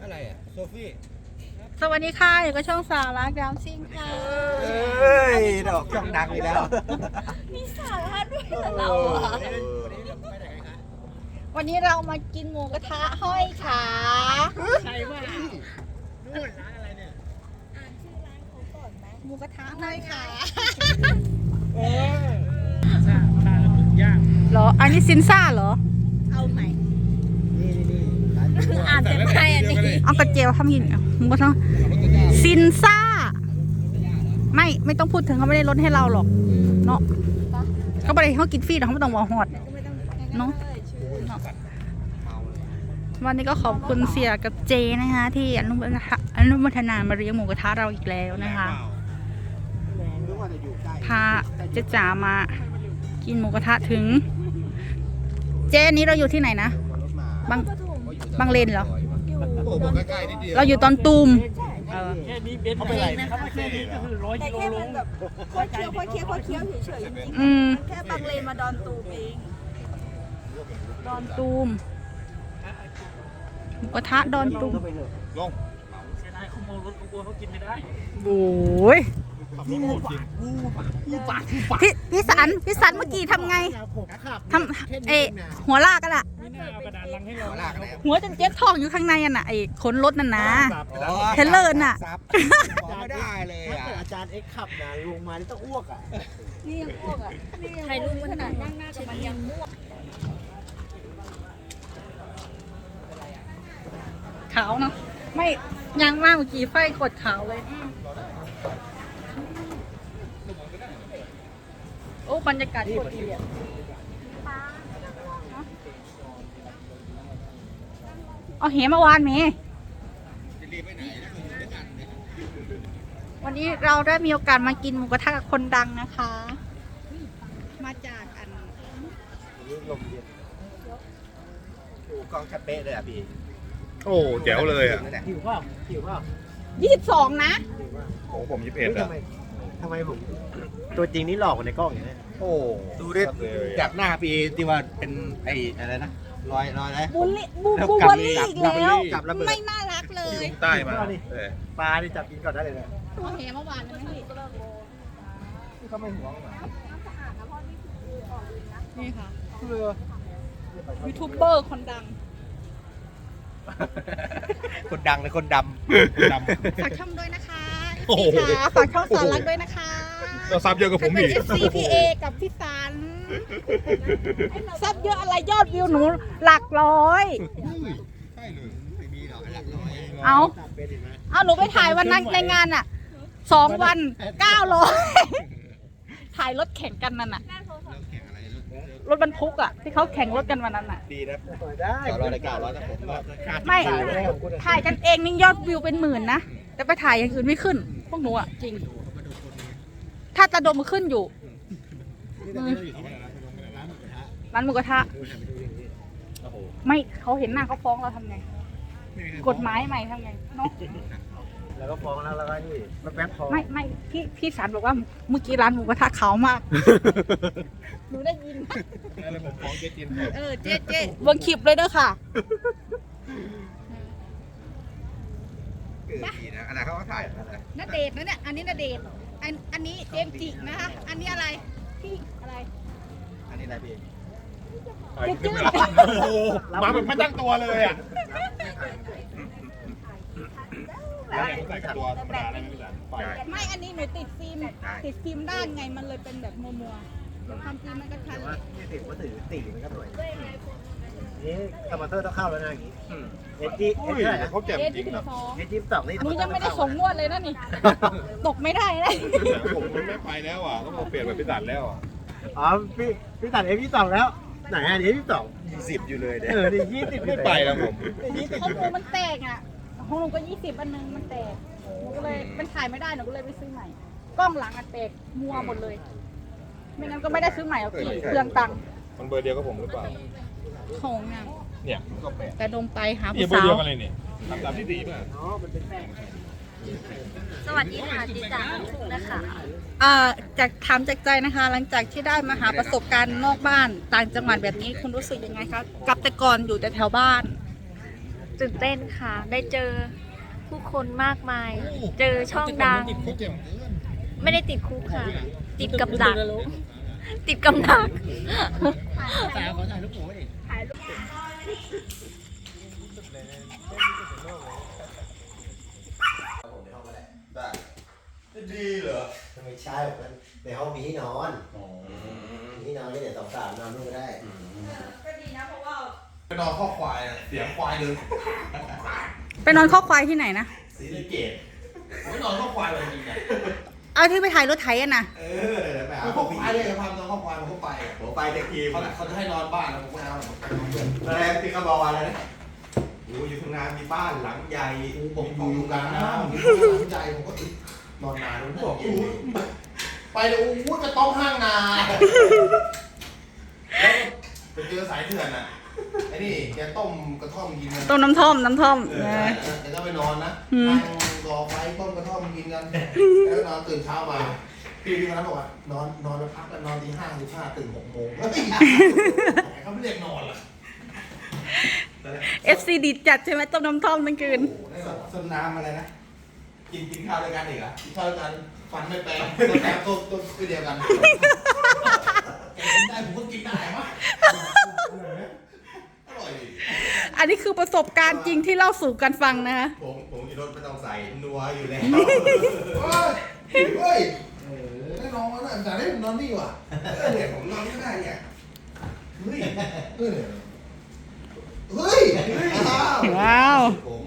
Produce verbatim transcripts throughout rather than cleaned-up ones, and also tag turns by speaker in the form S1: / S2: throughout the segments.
S1: อะไรอ่ะโซฟี่
S2: สวัสดีค่ะอยู่กับช่องสาระดาวซิ่งค่ะ
S1: เฮ้ยดอกช่องดังอีกแล้ว
S2: มีสาระด้วยเราอ่ะวันนี้เรามากินหมูกระทะห้อยขาใช่ว่านู่นร้านอะไรเนี่ยอ่านชื่อร้านเขาก่อนไหมหมูกระทะห้อยขา
S1: เออชาชาหมึกย่าง
S2: เหรออันนี้ซินซ่าเหรอ
S3: เอาใหม่
S1: นี่นี่
S3: อ่านแต่ไม่อันนี้
S2: เอากระเจียวทำกินหมูกระทะซินซ่าไม่ไม่ต้องพูดถึงเขาไม่ได้ลดให้เราหรอกเนาะเขาไม่ได้เขากินฟรีหรอกเขาไม่ต้องวอหอดเนาะวันนี้ก็ขอบคุณเสียกับเจนะคะที่อนุโมทนาอนุโมทนามาเลี้ยงหมูกระทะเราอีกแล้วนะคะพาเจ๊จ๋ามากินหมูกระทะถึงเจนี้เราอยู่ที่ไหนนะบางบางเลนเหรอเราอยู่ตอนตูม
S1: แค่นี้เป็นอะไรนะครับแค่นี้ก็คือร้อยกิโลลง
S3: แบบค่อยเคี้ยวค่อยเคี้ยวค่อยเคี้ยวเฉยๆจริงๆแค่บางเลนมาดอนตูมเอง
S2: ดอนตูมหมูกระทะดอนตูม
S1: ลงเสียดายเขาโมรถเขากลัวเขากินไม่ได้
S2: โอ้ยพี่พี่สันพี่สันเมื่อกี้ทำไงทำเอหัวลากกันอะหัวจนเจ็บท้องอยู่ข้างในอ่ะน่ะไอ้ขนรถนั่นนะเทเลอร์น่ะ
S1: ไม่ได้เลยอ่ะ
S4: อาจารย์เอ็กขับนะลงมานี่ต้องอ้วกอ่ะ
S3: นี่ยังอ้วกอ่ะถ่ายรูปขนาดนั่งหน้ากับมันยังม่วง
S2: ขาวเนาะไม่ยังมากเมื่อกี้ไฟกดขาวเลยโอ้บรรยากาศโคตรดีอ่ะเอาเหมาวานเมวันนี้เราได้มีโอกาสมากินหมูกระทะกับคนดังนะคะมาจากอัน
S4: ลมเย็นโอ้กองชัดเป๊ะเลยอ่ะพี่
S1: โอ้แจ๋วเลยอ่ะ
S4: หิวเปล่าหิวเปล่า
S2: ยี่สิบสองนะ
S1: ของผมยี่สิบเอ็ดอ่ะ
S4: ทำไมผมตัวจริงนี่หลอกกว่าในกล้องอย่างนี้
S1: โอ้ดูดิจากหน้าพี่ที่ว่าเป็นไอ้อะไรนะรอยรอยอะไร
S2: บูลลี่บูบูลลี่อีกแล้วไม่น่ารักเลย
S1: ใต้มา
S4: ปลาที่จับกินก่อนได้เลยนะ
S2: เอาเหเมื่อวานนะพี่
S4: เขาไม่ห่วง
S2: นี่ค่ะยูทูบเบอร์คนดัง
S1: คนดังเลยคนดำด
S2: ำฝากช่องด้วยนะคะพี่ขาฝากช่องสารักด้วยนะคะ
S1: เราซับเยอะกับผมอีก
S2: เอฟ ซี พี เอ กับพี่สันซับเยอะอะไรยอดวิวหนูหลักร้อย
S1: ใช่เลยไม่มีหรอกหลักร้อย
S2: เอาเอาหนูไปถ่ายวันนั้นในงานอ่ะสองวันเก้าร้อยถ่ายรถแข่งกันนั่นน่ะรถบรรทุกอ่ะที่เขาแข่งรถกันวันนั้นอ่ะ
S1: ดีนะได้ต่อร้อยเก้าร้อยนะผม
S2: ไม่ถ่ายกันเองนี่ยอดวิวเป็นหมื่นนะแต่ไปถ่ายอย่างอื่นไม่ขึ้นพวกหนูอ่ะจริงถ้าตะดมมันขึ้นอยู่ร้านหมูกระทะไม่เขาเห็นหน้าเขาฟ้องเราทำไงกฎหมายใหม่ทำไงเนาะ
S4: แล้วก็ฟ้องแล้วแล้วก็นี่แป๊บๆพอ
S2: ไม่ไม่พี่พี่สารบอกว่าเมื่อกี้ร้านหมูกระทะขาวมากหนูได้ยิน
S1: แล้วผมฟ้องเจ๊จิน
S2: เออเจ๊เจ๊เบิ้งคลิปเลยเด้อค่ะ
S1: เกิดดีนะอะไรเขาก็ถ่ายอะไร
S2: ณเดชน์นะเนี่ยอันนี้ณเดชน์อันอันนี้เจมส์จินะคะอันนี้อะไรพี่อะไร
S1: อันนี้อะไรพี่
S2: เจ๊เจ๊
S1: มาแบบไม่ตั้งตัวเลยอ่ะ
S2: ไม่อันนี้หนูติดฟิล์มติดฟิล์มด้านไงมันเลยเป็นแบบมัวมัวความจริงมันก็ชัดเลย
S4: ติดว่าถือตีมันก็สวยนี่คอมพิวเตอร์ต้องเข้าแล้วนะอย่างนี้เอจีเอจีอะไร
S1: เขาแจ่มจริงนะ
S4: เอจีสองนี่
S2: หนูยังไม่ได้ส่งงวดเลยนะนี่ตกไม่ได้เลย
S1: ผมไม่ไปแล้วอ่ะต้องเปลี่ยนแบบพิสันแล้วอ่ะ
S4: อ๋อพี่พี่ตัดเอพีสองแล้วไหนอันนี้ที่สอง
S1: ยี่สิบอยู่เลยเนี่ย
S4: เออยี่สิบ
S1: ไม่ไปแล้วผม
S2: ของหนูมันแตกอ่ะของหนูก็ยี่สิบอันนึงมันแตกหนูก็เลยมันถ่ายไม่ได้หนูก็เลยไปซื้อใหม่กล้องหลังอันแตกมัวหมดเลยไม่งั้นก็ไม่ได้ซื้อใหม่เอากี่เครื่องตังค์
S1: มันเบอร์เดียวกับผมหรือเปล่า
S2: ของงาน
S1: เนี่ย
S2: แต่ดมไปหา
S1: ผู้สาวเบอร์เดียวกันเลยเนี่ยทำตามที่ดีป่ะ
S3: อ๋อมันเป็นแป้งสวัสดีค่ะจิจ๋าถูกนะคะ
S2: อ่าจากถามจากใจนะคะหลังจากที่ได้มาหาประสบการณ์นอกบ้านต่างจังหวัดแบบนี้คุณรู้สึกยังไงคะกลับแต่ก่อนอยู่แต่แถวบ้าน
S5: ตื่นเต้นค่ะ ได้เจอผู้คนมากมาย เจอช่องดัง ไม่ได้ติดคุกค่ะ ติดกับดัก ติดกับดัก
S4: สาวขอถ่ายรูปหมูดิ
S1: ดีเหรอ
S4: ไม่ใช่มันในห้องมีที่นอนมีที่นอนก็เดี๋ยวสองสามนอนนู่นก็ได้
S3: ก็ดีนะเพราะว่า
S1: ไปนอนข้อควายอะเสียงควายเดิน
S2: ไปนอนข้อควายที่ไหนนะ
S1: สีสะเกตไม่นอนข้อควายเลยจริงๆอะ
S2: เอาที่ไปถ่ายรถไถอะนะ
S1: เออเดี๋ยวไปหาข้อควายเลยพามนอนข้อควายมันก็ไปอะผมไปแต่ทีเขาเขาจะให้นอนบ้านแล้วผมก็เอาอะไรที่เขาบอกว่าอะไรนะอยู่อยู่ทุ่งนามีบ้านหลังใหญ่ผมอยู่กลางน้ำมีบ้านหลังใหญ่ผมก็นอนนานผมบอกไปเลยอู้จะต้องห้างนาแล้วไปเจอสายเถื่อนอ่ะไอ้นี่แกต้มกระท่อมกินกัน
S2: ต้มน้ำท่อมน้ำท่อม
S1: เอ
S2: เอ
S1: อ
S2: อ
S1: แกก็ไปนอนนะ
S2: อืม
S1: นั่งรอไฟต้มกระท่อมกินกันแล้วนอนตื่นเช้ามาพี่พี่คนนั้นบอกว่านอนนอนแล้วพักกันนอนตีห้าตีห้าตื่นหกโมงเฮ้ยเขาไม่เรียกนอนเหรอ
S2: เอฟซีดีจัดใช่ไหมต้มน้ำท่อมทั้งคืน
S1: โอ้โหได้แบบสนน้ำอะไรนะ กินกินข้าวด้วยกันอีกเหรอ่ะกินข้าวด้วยกันฟันไม่แปลงตัวแปลงตัวตัวคือเดียวกันแกกินได้ผมก็กินได้มะอร่อยดิ
S2: อันนี้คือประสบการณ์จริงที่เล่าสู่กันฟังนะคะ
S1: ผมผมกินรสไม่ต้องใส่นัวอยู่แล้วเฮ้ยเฮ้ยเออได้นอนแล้วนะแต่ได้ผมนอนนี่ว่ะเออเนี่ยผมนอนไม่ได้เนี่ยเฮ้ยเออเฮ้ยอ้าว
S2: ว้าว
S1: ผม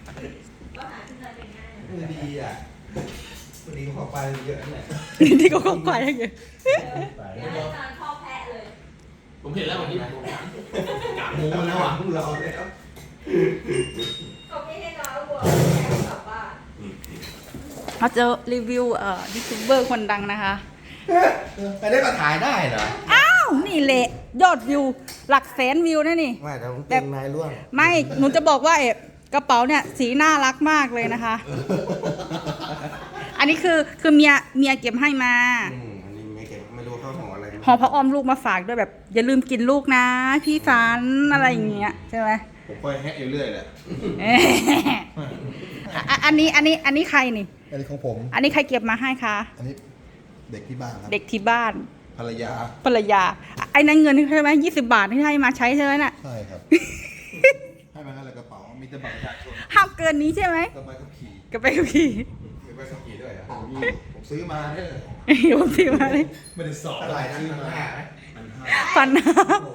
S1: ดีอ่ะวันนี้เขาไปเยอะนะ
S2: ที่เขาเข้าไปอย่างเงี้ย
S3: เดี๋ยวให้นอนพ่อแพะเลย
S1: ผมเห็นแล้ววันนี้ผมกะมูแล้วอ่ะเราแล้ว
S3: เขาไม่ให้นอนแล้วกลัวแพะกลับบ้าน
S2: เราเจอรีวิวเอ่อยูทูบเบอร์คนดังนะคะ
S1: ไปได้มาถ่ายได้เหรอ
S2: อ้าว นี่แหละยอดวิวหลักแสนวิวนะนี่
S1: ไม่แต่ผมเก่งนายร่วง
S2: ไม่ หนูจะบอกว่าเอ๋กระเป๋าเนี่ยสีน่ารักมากเลยนะคะ อันนี้คือคือเมียเมียเก็บให้มา
S1: อืมอันนี้ไม่เก่งไม่รู้เข้าของอะไร
S2: ห่อพระอ้อมลูกมาฝากด้วยแบบ อย่าลืมกินลูกนะ พี่ฟันอะไรอย่างเงี้ยใช่ไหม
S1: ผมคอยแฮะอยู่เรื่อยแหละ
S2: เอ้ยอ่ะอันนี้อันนี้อันนี้ใครนี่
S1: อันนี้ของผม
S2: อันนี้ใครเก็บมาให้คะ
S1: อันนี้เด็กที่บ้านครับ
S2: เด็กที่บ้าน
S1: ภรรยา
S2: ภรรยาไอ้นั่นเงินใช่ไหมยี่สิบบาทที่ให้มาใช้ใช่ไหมน่ะ
S1: ใช่ครับ ให้มาแล้วกระเป๋ามีแต่บัตรประชาชน
S2: ห้ามเกินนี้ใช่ไหม
S1: กับใบขับขี่
S2: ก็ไปกับพี่
S1: มีใบขับขี่ด้วยอ่ะผมซื้อมาเนี่ย
S2: ผมซื้อมาเลย
S1: ไม่ได้สอบอะไรนะซื้อมาไหมมันห้า
S2: ฟันนะ
S1: โอ้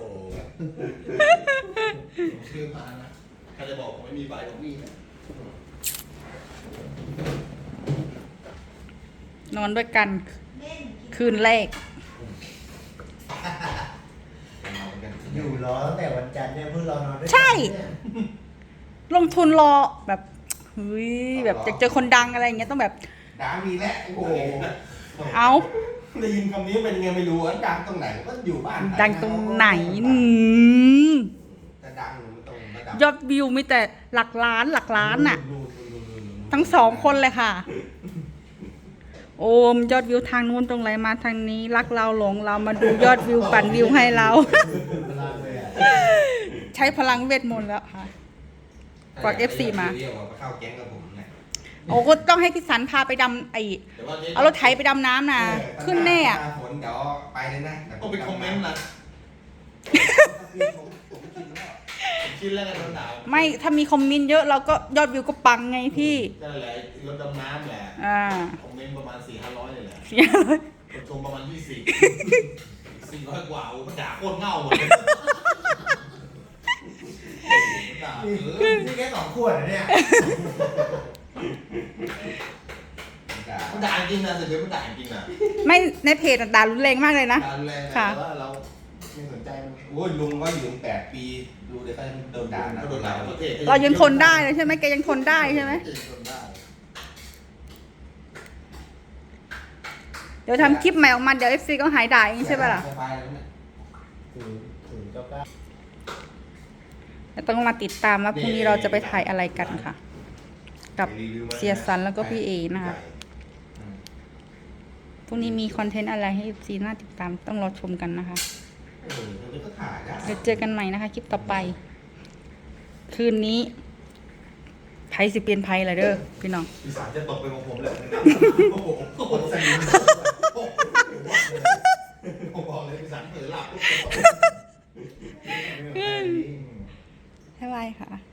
S1: ผมซื้อมานะใครจะบอกผมไม่มีใบผมมีนะ
S2: นอนด้วยกันคืนแรก
S4: อยู่รอตั้งแต่วันจันทร์เนี่ยเพิ่งรอนอนด้วยกัน
S2: ใช่
S4: เนี่ย
S2: ลงทุนรอแบบเฮ้ยแบบจะเจอคนดังอะไรอย่างเงี้ยต้องแบบ
S1: ดังดีแล้วโอ้โห
S2: เอา
S1: ได้ยินคำนี้เป็นยังไงไม่รู้ว่าดังตรงไหนก็อยู่บ้าน
S2: ดังตรงไหนอืม
S1: จะดังหรือมันตรงระดับ
S2: ยอดวิวมีแต่หลักล้านหลักล้านน่ะ
S1: นู่นนู่นนู่นนู่น
S2: ทั้งสองคนเลยค่ะ โอมยอดวิวทางนู้นตรงไหนมาทางนี้ รักเราหลงเรามาดูยอดวิวปั่นวิวให้เรา
S4: พลังเลยอ่ะ
S2: ใช้พลังเวทมนต์แล้วค่ะ กด เอฟ ซี มา
S1: เรียกว่าเข้าแก๊งกับผมไง
S2: โอ้ก็ต้องให้พี่สันพาไปดำไอ
S1: แต่ว่าจ๊
S2: เอารถไถไปดำน้ำนะขึ้นแน่อะ
S1: หาฝนเดี๋ยวไปเลยนะก็ไปคอมเมนต์นะผมกินแล้วผมกินแล้วกันโดนด่า
S2: ไม่ถ้ามีคอมเมนต์เยอะเราก็ยอดวิวก็ปังไงพี่
S1: ก็แหละรถดำน้ำแหละ
S2: อ่า
S1: คอมเมนต์ประมาณสี่ห้าร้อยเลยแหละ
S2: เสียเลย
S1: คนชมประมาณยี่สิบสี่ร้อยกว่าโอ้มันด่าโคตรเง่าหมดเลยด่าเออ
S4: นี่แค่สองขวดเหรอเนี่ย
S1: มันด่าจริงนะแต่เดี๋ยวมันด่าจริงนะ
S2: ไม่ในเพจอะด่ารุนแรงมากเลยนะ
S1: ด่ารุนแรงนะ
S2: ค่ะ
S1: แต่ว่าเราไม่สนใจมันโอ้ยลุงก็อยู่ถึงแปดปีดูเดี๋ยวก็โดนด่านะโดนด่าประเทศ
S2: เรายังทนได้เลยใช่ไหมแกยังทนได้ใช่ไหม
S1: ทนได้
S2: เดี๋ยวทำคลิปใหม่ออกมาเดี๋ยวเอฟซีก็หายด่าเองใช่ปะล่ะ
S1: สบายแล้วเนี่ย
S4: ถึงถึงเก้าเก้า
S2: แต่ต้องมาติดตามว่าพรุ่งนี้เราจะไปถ่ายอะไรกันค่ะ กับเสียสันแล้วก็พี่เอนะคะพรุ่งนี้มีคอนเทนต์อะไรให้เอฟซีน่าติดตามต้องรอชมกันนะคะ
S1: เออมันก็ถ่ายได้
S2: เดี๋ยวเจอกันใหม่นะคะ คลิปต่อไป คืนนี้ยสิเปลี่ยนไพ่ละเด้อพี่น้อง
S1: อีสานจะตกไปของผมเลยโอ้โหคนสนิทผมบอกเลยอีสานเผลอหลับ
S2: บ๊ายบายค่ะ